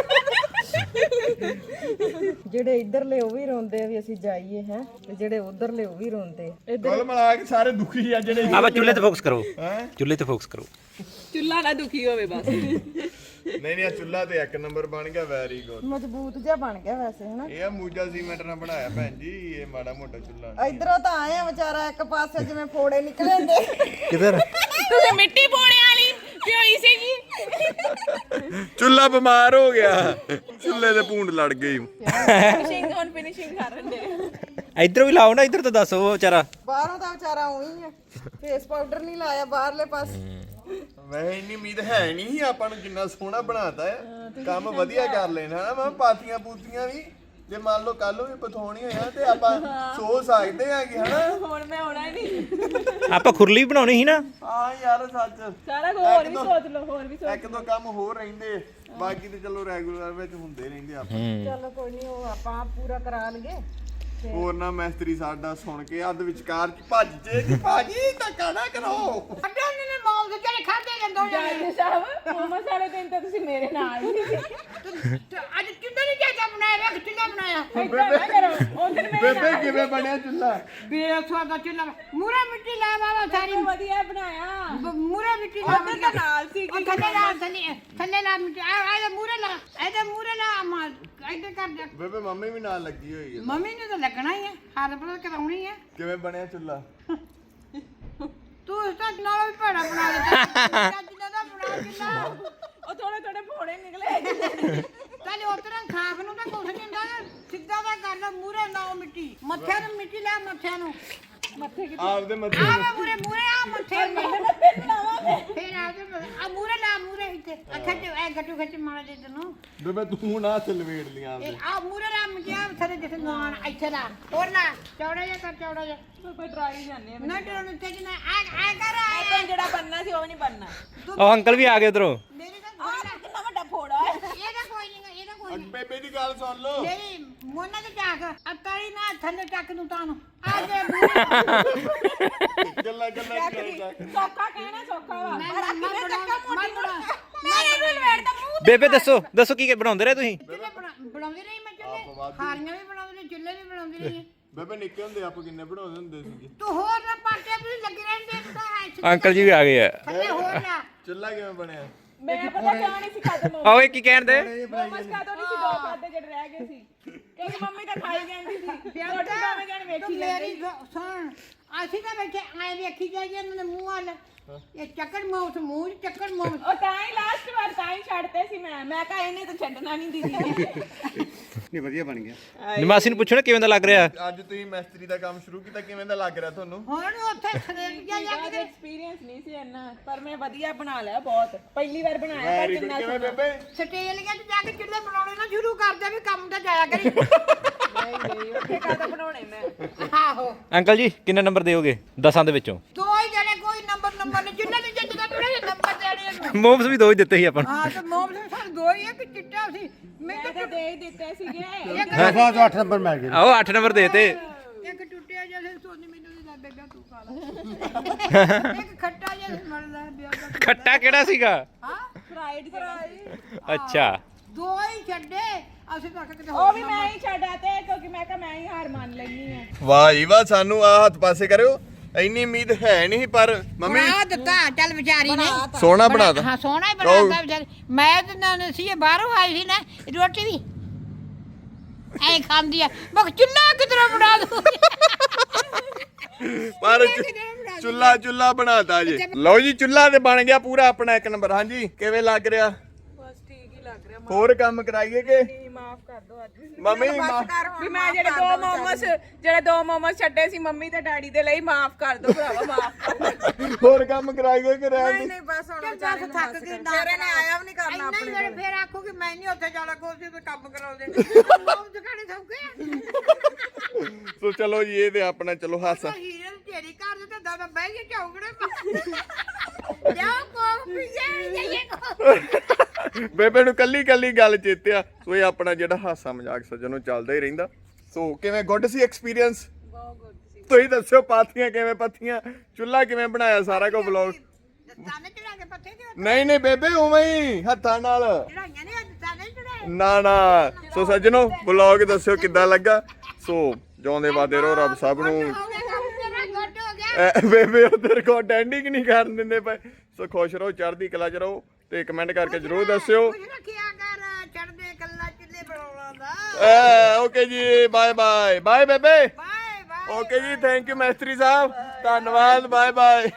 ਜਿਹੜੇ ਇੱਧਰਲੇ ਉਹ ਵੀ ਰੋਂਦੇ ਆ ਵੀ ਅਸੀਂ ਜਾਈਏ ਹੈ ਤੇ ਜਿਹੜੇ ਉਧਰਲੇ ਉਹ ਵੀ ਰੋਂਦੇ ਆ
ਕੁੱਲ ਮਿਲਾ ਕੇ ਸਾਰੇ ਦੁਖੀ ਆ ਜਿਹੜੇ
ਆਪਾਂ ਚੁੱਲ੍ਹੇ ਤੇ ਫੋਕਸ ਕਰੋ ਚੁੱਲ੍ਹੇ ਤੇ ਫੋਕਸ ਕਰੋ
ਚੁੱਲ੍ਹਾ ਨਾ ਦੁਖੀ ਹੋਵੇ ਬਸ
ਨਹੀਂ ਚੁੱਲਾ ਤੇ ਇੱਕ ਨੰਬਰ ਬਣ ਗਿਆ ਵੈਰੀ ਗੁੱਡ
ਮਜ਼ਬੂਤ ਜਿਹਾ ਬਣ ਗਿਆ ਵੈਸੇ ਹਨਾ
ਇਹ ਆ ਮੂਜਾ ਸੀਮੈਂਟ ਨਾਲ ਬਣਾਇਆ ਭੈਣ ਜੀ ਇਹ ਮਾੜਾ ਮੋਟਾ ਚੁੱਲਾ
ਇਧਰੋਂ ਤਾਂ ਆਏ ਆ ਵਿਚਾਰਾ ਇੱਕ ਪਾਸੇ ਜਿਵੇਂ ਫੋੜੇ ਨਿਕਲੇ ਹੁੰਦੇ
ਕਿਧਰ
ਤੁਸੀਂ ਮਿੱਟੀ ਪਾਉਣੇ ਵਾਲੀ ਪਿਓਈ ਸੀਗੀ
ਚੁੱਲਾ ਬਿਮਾਰ ਹੋ ਗਿਆ ਚੁੱਲੇ ਦੇ ਭੂੰਡ ਲੜ ਗਈ
ਫਿਨਿਸ਼ਿੰਗ ਕਰਨ ਦੇ
ਇੱਧਰ ਵੀ ਲਾਓ ਨਾ ਇੱਧਰ ਤਾਂ ਦੱਸੋ ਉਹ ਵਿਚਾਰਾ
ਬਾਹਰੋਂ ਤਾਂ ਵਿਚਾਰਾ ਉਹੀ ਆ ਫੇਸ ਪਾਊਡਰ ਨਹੀਂ ਲਾਇਆ ਬਾਹਰਲੇ ਪਾਸੇ
ਵੈਸੇ ਇੰਨੀ ਉਮੀਦ ਹੈ ਨਹੀਂ ਸੀ ਆਪਾਂ ਨੂੰ ਜਿੰਨਾ ਸੋਹਣਾ ਬਣਾਤਾ ਹੈ ਕੰਮ ਵਧੀਆ ਕਰ ਲੈਣਾ ਹਨਾ ਮੈਂ ਪਾਤੀਆਂ ਪੂਤੀਆਂ ਵੀ ਜੇ ਮੰਨ ਲਓ ਕੱਲ ਨੂੰ ਵੀ ਪਥੋਣੀ ਹੋਇਆ ਤੇ ਆਪਾਂ ਸੋਚ ਸਕਦੇ ਆ ਕਿ ਹਨਾ
ਹੁਣ ਮੈਂ ਆਉਣਾ ਹੀ ਨਹੀਂ
ਆਪਾਂ ਖੁਰਲੀ ਬਣਾਉਣੀ ਸੀ ਨਾ
ਹਾਂ ਯਾਰ ਸੱਚ
ਸਾਰਾ ਕੁਝ ਹੋਰ ਵੀ ਸੋਚ ਲਓ ਹੋਰ ਵੀ
ਇੱਕ ਦੋ ਕੰਮ ਹੋਰ ਰਹਿੰਦੇ ਬਾਕੀ ਤੇ ਚਲੋ ਰੈਗੂਲਰ ਵਿੱਚ ਹੁੰਦੇ ਰਹਿੰਦੇ ਆਪਾਂ
ਚਲੋ ਕੋਈ ਨਹੀਂ ਉਹ ਆਪਾਂ ਪੂਰਾ ਕਰਾ ਲਈਏ
ਹੋਰ ਨਾ ਮੈਸਤਰੀ ਸਾਡਾ ਸੁਣ ਕੇ ਅੱਧ ਵਿਚਕਾਰ ਚ ਭੱਜ ਜੇ ਕਿ ਭਾਜੀ ਧੱਕਾ ਨਾ ਕਰੋ
ਜੱਜ ਸਾਹਿਬ ਮੋਮੋਸ ਵਾਲੇ ਦਿਨ ਤਾਂ ਤੁਸੀਂ ਮੇਰੇ ਨਾਲ ਹੀ ਸੀ
ਅੱਜ ਕਿੱਦਾਂ ਨਹੀਂ ਚਾਚਾ ਬਣਾਇਆ ਵੇਖ ਚੁੱਲ੍ਹਾ ਬਣਾਇਆ
ਏਦਾਂ ਨਾ ਕਰੋ ਉਧਰ ਮੇਰੇ
ਬੇਬੇ ਕਿਵੇਂ ਬਣਿਆ ਚੁੱਲਾ
ਬੇਸਵਾ ਦਾ ਚੁੱਲ੍ਹਾ ਮੂਰੇ ਮਿੱਟੀ ਲਾ ਬਾਬਾ ਸਾਰੀ
ਵਧੀਆ ਬਣਾਇਆ
ਮੂਰੇ ਮਿੱਟੀ ਲਾ
ਉਧਰ ਤਾਂ ਨਾਲ ਸੀ
ਉਹ ਥੱਲੇ ਲਾ ਮਿੱਟੀ ਆ ਮੂਰੇ ਲਾ ਇਹਦੇ ਮੂਰੇ ਲਾ ਮਾਰ ਇੱਧਰ ਕਰ ਦੇ
ਬੇਬੇ ਮੰਮੀ ਵੀ ਨਾਲ ਲੱਗੀ ਹੋਈ ਹੈ
ਮੰਮੀ ਨੂੰ ਤਾਂ ਲੱਗਣਾ ਹੀ ਹੈ ਹਰ ਪਲ ਕਰਾਉਣੀ ਹੈ
ਕਿਵੇਂ ਬਣਿਆ ਚੁੱਲਾ
ਤੂੰ ਇਸ ਤੋਂ ਨਾਲ ਵੀ ਭੜਾ ਬਣਾ ਦਿੱਤਾ ਜਿੰਨਾ ਦਾ ਬਣਾ ਕਿੰਨਾ
ਉਹ ਥੋੜੇ ਫੋੜੇ ਨਿਕਲੇ
ਚੱਲ ਉਤਰਾਂ ਖਾਫ ਨੂੰ ਤਾਂ ਕੁਛ ਨਹੀਂ ਹੁੰਦਾ ਸਿੱਧਾ ਦਾ ਕਰ ਲੈ ਮੂਰੇ ਲਾਓ ਮਿੱਟੀ ਮੱਥੇ ਨੂੰ ਮਿੱਟੀ ਲੈ ਮੱਥੇ ਨੂੰ
ਆਪਦੇ ਮੱਥੇ
ਆ ਮੂਰੇ ਮੂਰੇ ਆ ਮੱਥੇ ਫੇਰ ਆ ਮੂਰੇ ਲਾ ਮੂਰੇ ਇੱਥੇ ਅੱਖਾਂ ਚ ਐ ਗੱਟੂ ਖੱਚ ਮਾਰ ਦੇ ਤੈਨੂੰ
ਬੇਬੇ ਤੂੰ ਨਾ ਹੱਥ ਲਵੇੜ ਲੀਆਂ ਆਪਦੇ
ਆ ਮੂਰੇ ਲਾ ਮੁੰਡਿਆ ਥਰੇ ਜਿੱਥੇ ਨਵਾਨ ਇੱਥੇ ਲਾ ਹੋਰ ਲਾ ਚੌੜਾ ਜਿਹਾ ਕਰ ਚੌੜਾ ਜਿਹਾ
ਕੋਈ ਟਰਾਈ ਜਾਂਦੇ ਆ
ਨਾ ਡਰਨ ਤੇ ਨਾ ਆ ਕਰ
ਆਪਾਂ ਜਿਹੜਾ ਬੰਨਣਾ ਸੀ ਉਹ ਨਹੀਂ ਬੰਨਣਾ
ਉਹ ਅੰਕਲ ਵੀ ਆ ਗਏ ਉਧਰੋਂ
ਮੇਰੀ ਤਾਂ
ਕਿੰਨਾ ਵੱਡਾ ਫੋੜਾ ਹੈ
ਇਹਦਾ ਕੋਈ ਨਹੀਂ ਇਹਦਾ ਕੋਈ ਨਹੀਂ
ਬੇਬੇ ਦੀ ਗੱਲ ਸੁਣ ਲਓ
ਮੇਰੀ ਮੋਨਾ ਤੇ ਚੱਕ ਅਤਾਰੀ ਨਾ ਥੱਲੇ ਚੱਕ ਨੂੰ ਤਾਨੂੰ ਆ ਜੇ
ਗੱਲਾਂ ਕਰਦਾ
ਸੌਖਾ ਕਹਿਣਾ ਸੌਖਾ ਵਾ
ਮੇਰੇ ਨੂੰ ਲਵੇੜਦਾ ਮੂੰਹ
ਬੇਬੇ ਦੱਸੋ ਕੀ ਬਣਾਉਂਦੇ ਰਹੇ ਤੁਸੀਂ
ਚੁੱਲ੍ਹੇ ਬਣਾਉਂਦੇ ਰਹੀ ਮੈਂ ਚੁੱਲ੍ਹੇ ਹਾਰੀਆਂ ਵੀ ਬਣਾਉਂਦੇ ਰਹੀ ਚੁੱਲ੍ਹੇ ਵੀ ਬਣਾਉਂਦੀ ਰਹੀ
ਬੇਬੇ ਨਿੱਕੇ ਹੁੰਦੇ ਆਪਾਂ ਕਿੰਨੇ ਬਣਾਉਂਦੇ ਹੁੰਦੇ ਸੀਗੇ
ਤੂੰ ਹੋਰ ਨਾ ਪਾਟੇ ਵੀ ਲੱਗੇ ਰਹਿੰਦੇ ਤਾਂ
ਅੰਕਲ ਜੀ ਵੀ ਆ ਗਏ ਆ
ਥੱਲੇ ਹੋਰ ਲਾ
ਚੁੱਲ੍ਹਾ ਕਿਵੇਂ ਬਣਿਆ
ਮੈਂ ਪਤਾ ਕਿਉਂ ਨਹੀਂ ਸੀ ਖਾਦੇ
ਓਏ ਕੀ ਕਹਿੰਦੇ
ਮੋਮਸ ਖਾਦੋਂ ਨਹੀਂ ਸੀ ਦੋ ਖਾਦੇ ਜਿਹੜੇ ਰਹਿ ਗਏ ਸੀ ਕਿਉਂਕਿ ਮੰਮੀ ਤਾਂ ਖਾਈ ਜਾਂਦੀ ਸੀ ਰੋਟੀ ਦੋਵੇਂ ਜਣ ਵੇਖੀ
ਮੇਰੀ ਸੁਣ ਅਸੀਂ ਤਾਂ ਬੈਠੇ ਐ ਵੇਖੀ ਜਾਈਏ ਇਹਨਾਂ ਦੇ ਮੂੰਹ ਵੱਲ ਇਹ ਚੱਕਰ ਮੌਤ ਮੂੰਹ ਚ ਚੱਕਰ ਮੌਤ
ਉਹ ਤਾਂ ਹੀ ਲਾਸਟ ਵਾਰ ਤਾਂ ਹੀ ਛੱਡਤੇ ਸੀ ਮੈਂ ਕਹਾ ਇਹਨੇ ਤਾਂ ਛੱਡਣਾ ਨਹੀਂ ਦੀਦੀ
ਨਹੀਂ ਵਧੀਆ ਬਣ ਗਿਆ
ਨਿਮਾਸੀ ਨੂੰ ਪੁੱਛੋ ਨਾ ਕਿਵੇਂ ਦਾ ਲੱਗ ਰਿਹਾ
ਅੱਜ ਤੁਸੀਂ ਮਿਸਤਰੀ ਦਾ ਕੰਮ ਸ਼ੁਰੂ ਕੀਤਾ ਕਿਵੇਂ ਦਾ ਲੱਗ ਰਿਹਾ ਤੁਹਾਨੂੰ
ਹੁਣ ਉੱਥੇ ਖਰੇਟ ਜਾ ਜਾ ਕੇ
ਐਕਸਪੀਰੀਅੰਸ ਨਹੀਂ ਸੀ ਇੰਨਾ ਪਰ ਮੈਂ ਵਧੀਆ ਬਣਾ ਲਿਆ ਬਹੁਤ ਪਹਿਲੀ ਵਾਰ ਬਣਾਇਆ ਪਰ ਕਿੰਨਾ
ਕਿਵੇਂ ਬੇਬੇ
ਸਟੇਲੀਆਂ ਚ ਜਾ ਕੇ ਚੁੱਲ੍ਹੇ ਬਣਾਉਣੇ ਨਾ ਸ਼ੁਰੂ ਕਰ ਦੇ ਵੀ ਕੰਮ ਤਾਂ ਜਾਇਆ ਕਰੀ
ਨਹੀਂ ਉੱਥੇ ਕਾਹਦਾ ਬਣਾਉਣੇ ਮੈਂ
ਆਹੋ
ਅੰਕਲ ਜੀ ਕਿੰਨੇ ਨੰਬਰ ਦਿਓਗੇ 10 ਦੇ ਵਿੱਚੋਂ
ਦੋ ਹੀ ਜਣੇ ਕੋਈ ਨੰਬਰ ਨਹੀਂ ਜਿੰਨਾਂ ਨੇ ਜਿੱਦਾਂ ਥੋੜੇ ਨੰਬਰ ਦੇਣੇ ਇਹਨੂੰ
ਮੋਮਸ ਵੀ ਦੋ ਹੀ ਦਿੱਤੇ ਸੀ ਆਪਾਂ ਨੂੰ
ਹਾਂ ਤੇ ਮੋਮ ਦੇ ਸਾਨੂੰ ਦੋ ਹੀ ਆ ਕਿ ਚਿੱਟਾ ਸੀ ਮੈਂ
ਮੈਂ ਤਾਂ ਦੇ ਹੀ ਦਿੱਤੇ ਸੀਗੇ
ਦਫਾ ਤੋਂ 8 ਨੰਬਰ ਮਿਲ ਗਏ
ਆਓ 8 ਨੰਬਰ ਦੇਤੇ
ਇੱਕ ਟੁੱਟਿਆ ਜਿਹਾ ਸੀ, ਸੋਨੀ ਮੈਨੂੰ ਨਹੀਂ ਲੱਗਦਾ ਤੂੰ ਖਾ ਲੈ ਇੱਕ ਖੱਟਾ ਜਿਹਾ ਸੀ, ਮਰਦਾ ਵਿਆਹ ਦਾ
ਖੱਟਾ ਕਿਹੜਾ ਸੀਗਾ
ਹਾਂ
ਫਰਾਈਡ
ਅੱਛਾ
ਦੋ ਹੀ ਛੱਡੇ ਅਸੀਂ ਤਾਂ ਕਿਤੇ
ਉਹ ਵੀ ਮੈਂ ਹੀ ਛੱਡਾ ਤੇ ਕਿਉਂਕਿ ਮੈਂ ਕਿਹਾ ਮੈਂ ਹੀ ਹਾਰ ਮੰਨ ਲੈਣੀ ਆ
ਵਾਹ ਜੀ ਵਾਹ ਸਾਨੂੰ ਆ ਹੱਥ ਪਾਸੇ ਕਰਿਓ ਇੰਨੀ ਉਮੀਦ ਹੈ ਨਹੀਂ ਪਰ ਮੰਮੀ
ਬਣਾ ਦਿੱਤਾ ਚੱਲ ਵਿਚਾਰੀ ਨੇ
ਸੋਹਣਾ ਬਣਾਤਾ
ਹਾਂ ਸੋਹਣਾ ਹੀ ਬਣਾਤਾ ਵਿਚਾਰੀ ਮੈਂ ਤੇ ਨਾ ਸੀ ਇਹ ਬਾਹਰੋਂ ਆਈ ਸੀ ਨਾ ਰੋਟੀ ਵੀ ਐ ਖਾਂਦੀ ਆ ਮੈਂ ਕਿਹਾ ਚੁੱਲ੍ਹਾ ਕਿਧਰੋਂ ਬਣਾ ਦੂੰ
ਪਰ ਚੁੱਲਾ ਬਣਾਤਾ ਜੀ ਲਓ ਜੀ ਚੁੱਲਾ ਤੇ ਬਣ ਗਿਆ ਪੂਰਾ ਆਪਣਾ ਇੱਕ ਨੰਬਰ ਹਾਂਜੀ ਕਿਵੇਂ ਲੱਗ ਰਿਹਾ
ਬਸ ਠੀਕ ਹੀ ਲੱਗ ਰਿਹਾ
ਹੋਰ ਕੰਮ ਕਰਾਈਏ ਕਿ
ਮਾਫ ਕਰ ਦੋ ਅੱਜ
ਮੰਮੀ
ਵੀ ਮੈਂ ਜਿਹੜੇ ਦੋ ਮੋਮਸ ਛੱਡੇ ਸੀ ਮੰਮੀ ਤੇ ਡੈਡੀ ਦੇ ਲਈ ਮਾਫ ਕਰ ਦੋ ਭਰਾਵਾ ਮਾਫ ਕਰ
ਹੋਰ ਕੰਮ ਕਰਾਈਏ ਕਿ ਰਹਿਣ ਦੀ
ਨਹੀਂ ਬਸ ਹੁਣ ਵਿਚਾਰੇ ਨੂੰ ਥੱਕ ਗਈ ਤੇਰੇ ਨੇ ਆਇਆ ਵੀ ਨਹੀਂ ਕਰਨਾ ਆਪਣੇ
ਇੰਨਾ ਹੀ ਫੇਰ ਆਖੋ ਕਿ ਮੈਂ ਨਹੀਂ ਉੱਥੇ ਜਾਣਾ ਕੋਈ ਤੇ ਕੰਮ ਕਰਾਉਂਦੇ ਉਹ ਦੁਕਾਨੇ ਸੌਕੇ
ਸੋ ਚਲੋ ਜੀ ਇਹ ਤੇ ਆਪਣਾ ਚਲੋ ਹਾਸਾ
ਹੀਰੇ ਨੂੰ ਤੇਰੀ ਘਰ ਦੇ ਤੇ ਦਾਦਾ ਬਹਿ ਕੇ ਚੌਕੜੇ ਜਾਓ ਕੋਫੀ ਜਾਈਏ
ਬੇਬੇ ਨੂੰ ਕੱਲੀ ਗੱਲ ਚੇਤਿਆ ਸੋ ਇਹ ਆਪਣਾ ਜਿਹੜਾ ਹਾਸਾ ਮਜ਼ਾਕ ਸੱਜਣੋਂ ਚੱਲਦਾ ਹੀ ਰਹਿੰਦਾ ਸੋ ਕਿਵੇਂ ਗੁੱਡ ਸੀ ਐਕਸਪੀਰੀਅੰਸ
ਬਹੁਤ ਗੁੱਡ ਸੀ
ਤੁਸੀਂ ਦੱਸਿਓ ਪਾਥੀਆਂ ਕਿਵੇਂ ਪੱਥੀਆਂ ਚੁੱਲ੍ਹਾ ਕਿਵੇਂ ਬਣਾਇਆ ਸਾਰਾ ਕੁਝ ਵਲੌਗ
ਤਾਨੇ ਚੜਾ ਕੇ ਪੱਥੇ ਤੇ
ਨਹੀਂ ਬੇਬੇ ਉਵੇਂ ਹੀ ਹੱਥਾਂ ਨਾਲ
ਚੜਾਈਆਂ ਨੇ ਤਾਨੇ ਚੜਾਏ
ਨਾ ਸੋ ਸੱਜਣੋ ਵਲੌਗ ਦੱਸਿਓ ਕਿੱਦਾਂ ਲੱਗਾ ਸੋ ਜਿਉਂਦੇ ਵਾਦੇ ਰਹੋ ਰੱਬ ਸਭ ਨੂੰ
ਹੋ ਗਿਆ ਕੰਮ ਤੇਰਾ ਗੁੱਡ ਹੋ ਗਿਆ
ਬੇਬੇ ਉਧਰ ਕੋ ਐਂਡਿੰਗ ਨਹੀਂ ਕਰਨ ਦਿੰਦੇ ਪਏ ਸੋ ਖੁਸ਼ ਰਹੋ ਚੜ੍ਹਦੀ ਕਲਾ ਚ ਰਹੋ ਤੇ ਕਮੈਂਟ ਕਰਕੇ ਜਰੂਰ ਦੱਸਿਓ
ਕੁਝ ਰੱਖਿਆ ਕਰ ਚੜਦੇ ਕੱਲਾ ਚੁੱਲੇ ਬਣਾਉਣਾ ਦਾ
ਓਕੇ ਜੀ ਬਾਏ ਬਾਏ ਬੇਬੇ
ਬਾਏ ਬਾਏ
ਓਕੇ ਜੀ ਥੈਂਕ ਯੂ ਮੈਸਤਰੀ ਸਾਹਿਬ ਧੰਨਵਾਦ ਬਾਏ ਬਾਏ